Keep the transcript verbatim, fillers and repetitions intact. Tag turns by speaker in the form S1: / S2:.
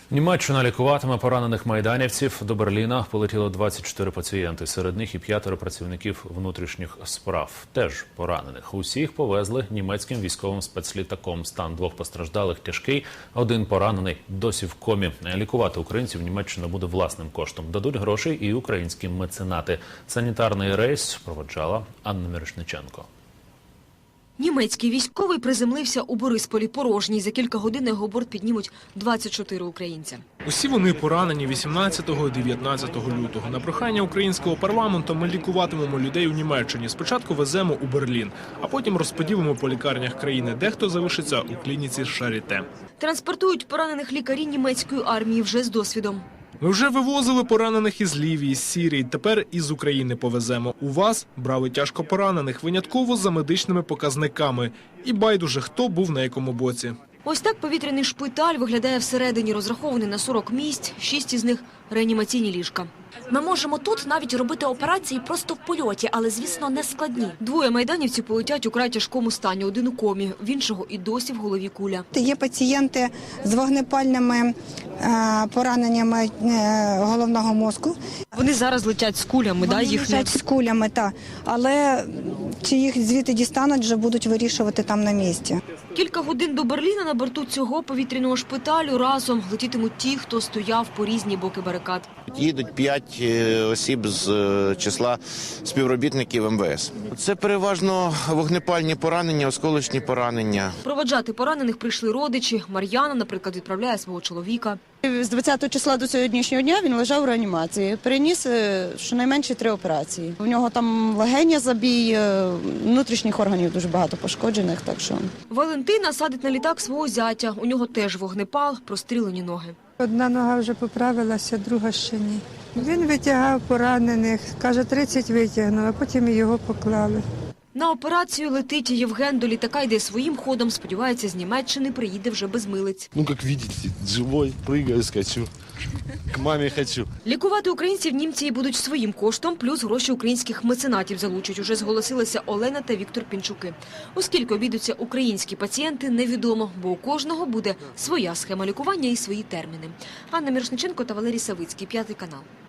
S1: Німеччина лікуватиме поранених майданівців. До Берліна полетіло двадцять чотири пацієнти. Серед них і п'ятеро працівників внутрішніх справ. Теж поранених. Усіх повезли німецьким військовим спецлітаком. Стан двох постраждалих тяжкий, один поранений досі в комі. Лікувати українців Німеччина буде власним коштом. Дадуть грошей і українські меценати. Санітарний рейс проводжала Анна Мірошниченко.
S2: Німецький військовий приземлився у Борисполі порожній. За кілька годин на його борт піднімуть двадцять чотири українця.
S3: Усі вони поранені вісімнадцятого - дев'ятнадцятого лютого. На прохання українського парламенту ми лікуватимемо людей у Німеччині. Спочатку веземо у Берлін, а потім розподілимо по лікарнях країни. Дехто залишиться у клініці Шаріте.
S2: Транспортують поранених лікарі німецької армії вже з досвідом.
S3: Ми вже вивозили поранених із Лівії, з Сірії, тепер із України повеземо. У вас брали тяжко поранених, винятково за медичними показниками. І байдуже, хто був на якому боці.
S2: Ось так повітряний шпиталь виглядає всередині, розрахований на сорок місць, шість із них – реанімаційні ліжка.
S4: Ми можемо тут навіть робити операції просто в польоті, але, звісно, не складні.
S2: Двоє майданівців полетять у край тяжкому стані, один у комі, в іншого і досі в голові куля.
S5: Є пацієнти з вогнепальними пораненнями головного мозку.
S2: Вони зараз летять з кулями, да,
S5: Вони
S2: їх
S5: летять з кулями, так. Але чи їх звідти дістануть, вже будуть вирішувати там на місці.
S2: Кілька годин до Берліна на борту цього повітряного шпиталю разом летітимуть ті, хто стояв по різні боки барикад.
S6: Їдуть п'ять осіб з числа співробітників ем ве ес. Це переважно вогнепальні поранення, осколочні поранення.
S2: Проводжати поранених прийшли родичі. Мар'яна, наприклад, відправляє свого чоловіка.
S7: З двадцятого числа до сьогоднішнього дня він лежав у реанімації. Переніс щонайменше три операції. У нього там легеня забій, внутрішніх органів дуже багато пошкоджених. Так що
S2: Валентина садить на літак свого зятя. У нього теж вогнепал, прострілені ноги.
S8: Одна нога вже поправилася, друга ще ні. Він витягав поранених, каже, тридцять витягнув, а потім його поклали.
S2: На операцію летить Євген, до літака йде своїм ходом. Сподівається, з Німеччини приїде вже без милиць.
S9: Ну, як бачите, живий, пригаю, скачу. К мамі хочу.
S2: Лікувати українців німці будуть своїм коштом, плюс гроші українських меценатів залучать. Уже зголосилися Олена та Віктор Пінчуки. Оскільки обійдуться українські пацієнти, невідомо, бо у кожного буде своя схема лікування і свої терміни. Анна Мірошниченко та Валерій Савицький, П'ятий канал.